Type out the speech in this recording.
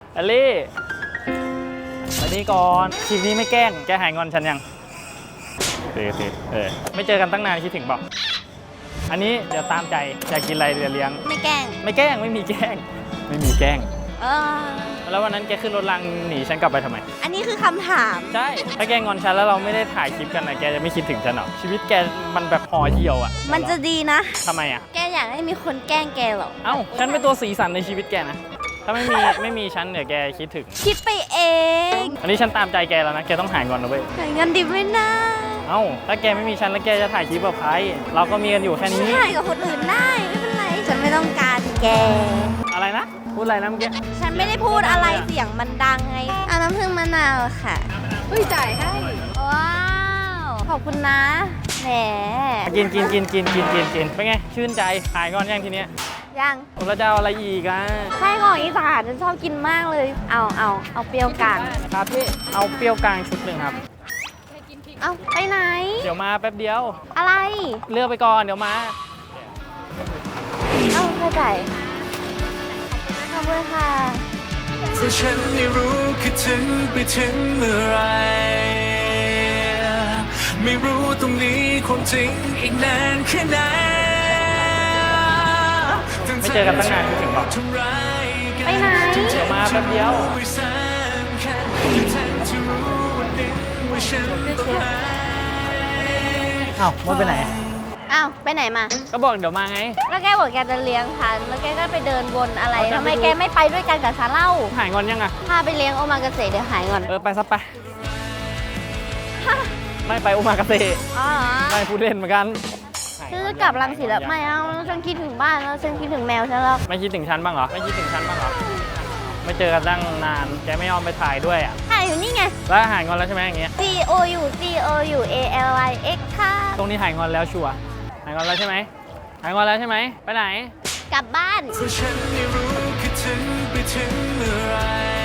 อลลี่มานี่ก่อนคลิปนี้ไม่แกล้งแกหายงอนฉันยังโอเคไม่เจอกันตั้งนานคิดถึงเปล่าอันนี้เดี๋ยวตามใจอยากกินอะไรเดี๋ยวเลี้ยงไม่แกล้งไม่แกล้งไม่มีแกล้งไม่มีแกล้งเออแล้ววันนั้นแกขึ้นรถรางหนีฉันกลับไปทำไมอันนี้คือคำถามใช่ถ้าแกงอนฉันแล้วเราไม่ได้ถ่ายคลิปกันนะแกจะไม่คิดถึงฉันหรอชีวิตแกมันแบบห่อเหี่ยวอ่ะมันจะดีนะทำไมอ่ะแกอยากให้มีคนแกล้งแกเหรอเอ้าฉันเป็นตัวสีสันในชีวิตแกนะถ้าไม่มีฉันเดี๋ยวแกคิดถึงคิดไปเองอันนี้ฉันตามใจแกแล้วนะแกต้องหายงอนนะเว้ยหาเงินดิบไม่น่าเอ้าถ้าแกไม่มีฉันแล้วแกจะถ่ายคลิปกับใครเราก็มีกันอยู่แค่นี้ถ่ายกับคนอื่นได้ไม่เป็นไร ฉันไม่ต้องการแกอะไรนะพูดอะไรนะเมื่อกี้ฉันไม่ได้พูดอะไรเสียงมันดังไงเอาน้ำผึ้งมะนาวค่ะจ่ายให้ ว้าว ขอบคุณนะ แหมกินเป็นไงชื่นใจหายงอนยังทีเนี้ยยังเราจะเอาอะไรอีกอ่ะไส้กรอกอีสานฉันชอบกินมากเลย เอาเปรี้ยวกลางครับพี่เอาเปรี้ยวกลางชุดหนึ่งครับเอาไปไหนเดี๋ยวมาแป๊บเดียวอะไรเลือกไปก่อนเดี๋ยวมาเอาเข้าใจขอบคุณค่ะเพราะฉันไม่รู้คิดถึงไปถึงเมื่อไรไม่รู้ตรงนี้ความจริงอีกนานแค่ไหนไม่เจอกันตั้งนานคิดถึงหรอไปไหนเดี๋ยวมาแป๊บเดียว อ้าวมดไปไหนอ้าวไปไหนมาก็บอกเดี๋ยวมาไงแล้วแกบอกแกจะเลี้ยงฉันแล้วแกก็ไปเดินวนอะไรเอาจะทำไมไปดูแกไม่ไปด้วยกันกับฉันเล่าหายงอนยังอ่ะพาไปเลี้ยงโอมากาเสะเดี๋ยวหายก่อนไปซะไป ไม่ไปโอมากาเสะอ๋อไม่พูดเล่นเหมือนกันฉันจะกลับรังสิตแล้วไม่เอาฉันคิดถึงบ้านแล้วฉันคิดถึงแมวฉันแล้วไม่คิดถึงฉันบ้างเหรอ ไม่คิดถึงฉันบ้างเหรอ ไม่เจอกันตั้งนาน แกไม่ยอมไปถ่ายด้วยอ่ะถ่ายอยู่นี่ไงแล้วหายงอนแล้วใช่ไหมอย่างเงี้ย C O U C O U A L I X ค่ะตรงนี้หายงอนแล้วชัวร์หายงอนแล้วใช่ไหมหายงอนแล้วใช่ไหมไปไหนกลับบ้านเพราะฉันไม่รู้คิดถึงไปถึงเมื่อไร